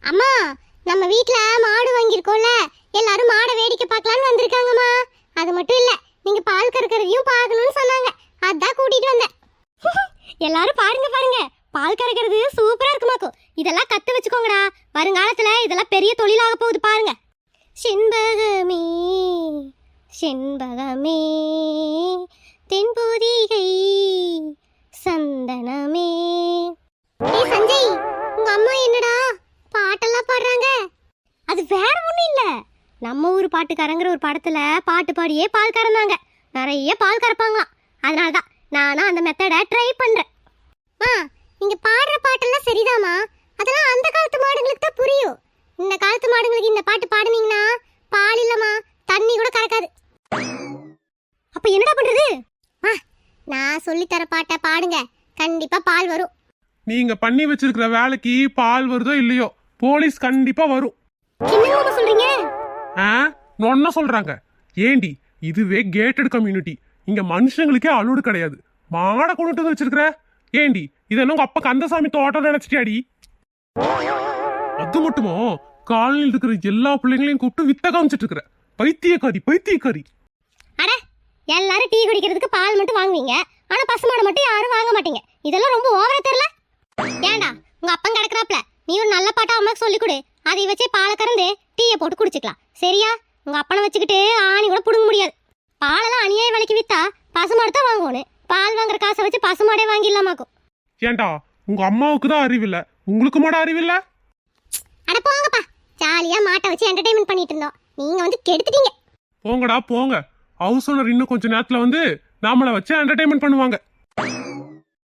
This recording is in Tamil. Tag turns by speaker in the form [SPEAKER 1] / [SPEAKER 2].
[SPEAKER 1] அம்மா, நம்ம வீட்ல மாடு வாங்கியிருக்கோம்ல, எல்லாரும் மாடை வேடிக்கை பார்க்கலான்னு வந்திருக்காங்கம்மா. அது மட்டும் இல்ல, நீங்க பால் கறக்கறதையும் பார்க்கணும்னு சொன்னாங்க. அதான் கூட்டிட்டு வந்தேன். எல்லாரும் பாருங்க பாருங்க, பால் கறக்கிறது சூப்பரா இருக்குமாக்கும். இதெல்லாம் கத்து வச்சுக்கோங்கடா, வருங்காலத்துல இதெல்லாம் பெரிய தொழிலாக போகுது பாருங்க. செண்பகமே செண்பகமே தென்பொதிகை சந்தனமே. ஏய் சஞ்சய், உங்க அம்மா என்னடா பாட்டெல்லாம் பாடுறாங்க? அது வேற ஒண்ணும் இல்ல, நம்ம ஊர் பாட்டுக்காரங்கிற ஒரு படத்துல பாட்டு பாடியே பால் கறந்தாங்க. நிறைய பால் கறப்பாங்களாம். அதனாலதான் நானும் அந்த மெத்தடை ட்ரை பண்றேன். நீங்க பாடுற பாட்டெல்லாம் சரிதாமா, அதெல்லாம் அந்த காலத்து மாடுங்களுக்கு தான் புரியும். இந்த காலத்து மாடுங்களுக்கு இந்த பாட்டு பாடுனீங்கன்னா பால் இல்லம்மா, தண்ணி கூட கறக்காது. அப்ப என்னடா பண்றது? நான் சொல்லித்தர பாட்டை பாடுங்க, கண்டிப்பா பால் வரும்.
[SPEAKER 2] நீங்க பண்ணி வச்சிருக்கிற வேலைக்கு பால் வருதோ இல்லையோ, போலீஸ் கண்டிப்பா வரும்.
[SPEAKER 1] என்ன சொல்றீங்க?
[SPEAKER 2] நொன்ன சொல்றாங்க. ஏண்டி, இதுவே கேட்டட் கம்யூனிட்டி, இங்க மனுஷங்களுக்கே அலோடு கிடையாது. மாடை கொண்டுட்டு வந்து வச்சிருக்கிற. ஏண்டி, இது என்ன உங்க அப்பா கந்தசாமி தோட்டம் நினைச்சிட்டியாடி? அது மட்டுமோ, காலனியில் இருக்கிற எல்லா பிள்ளைங்களையும் கூப்பிட்டு வித்த காமிச்சிட்டு இருக்கிற. பைத்தியக்காரி பைத்தியக்காரி.
[SPEAKER 1] அட, எல்லாரும் டீ குடிக்கிறதுக்கு பால் மட்டும் வாங்குவீங்க, ஆனா பசுமாடை மட்டும் யாரும் வாங்க மாட்டீங்க. இதெல்லாம் ரொம்ப ஓவரா தெரியல? ஏண்டா, உங்க அப்பன் கிடக்குறாப்ல, நீ ஒரு நல்ல பாட்டா அம்மாக்கு சொல்லி கொடு, அதை வச்சே பாலை கறந்து டீயை போட்டு குடிச்சுக்கலாம். சரியா? உங்க அப்பனை வச்சுக்கிட்டு ஆணி கூட புடுங்க முடியாது. பாலெல்லாம் அநியாய விலைக்கு வித்தா பசுமாடு தான் வாங்கணும். பால் வாங்குற காசை வச்சு பசுமாடே வாங்கிடலாமாக்கும்.
[SPEAKER 2] ஏண்டா, உங்க அம்மாவுக்கு தான் அறிவில்ல, உங்களுக்கு மாட அறிவில்ல?
[SPEAKER 1] அட போங்கப்பா, ஜாலியா மாட்டை வச்சு என்டர்டைன்மெண்ட் பண்ணிட்டு இருந்தோம், நீங்க வந்து கெடுத்துட்டீங்க.
[SPEAKER 2] போங்கடா போங்க. ஹவுஸ் ஓனர் இன்னும் கொஞ்ச நேரத்துல வந்து நாமளை வச்சு என்டர்டைன்மெண்ட் பண்ணுவாங்க.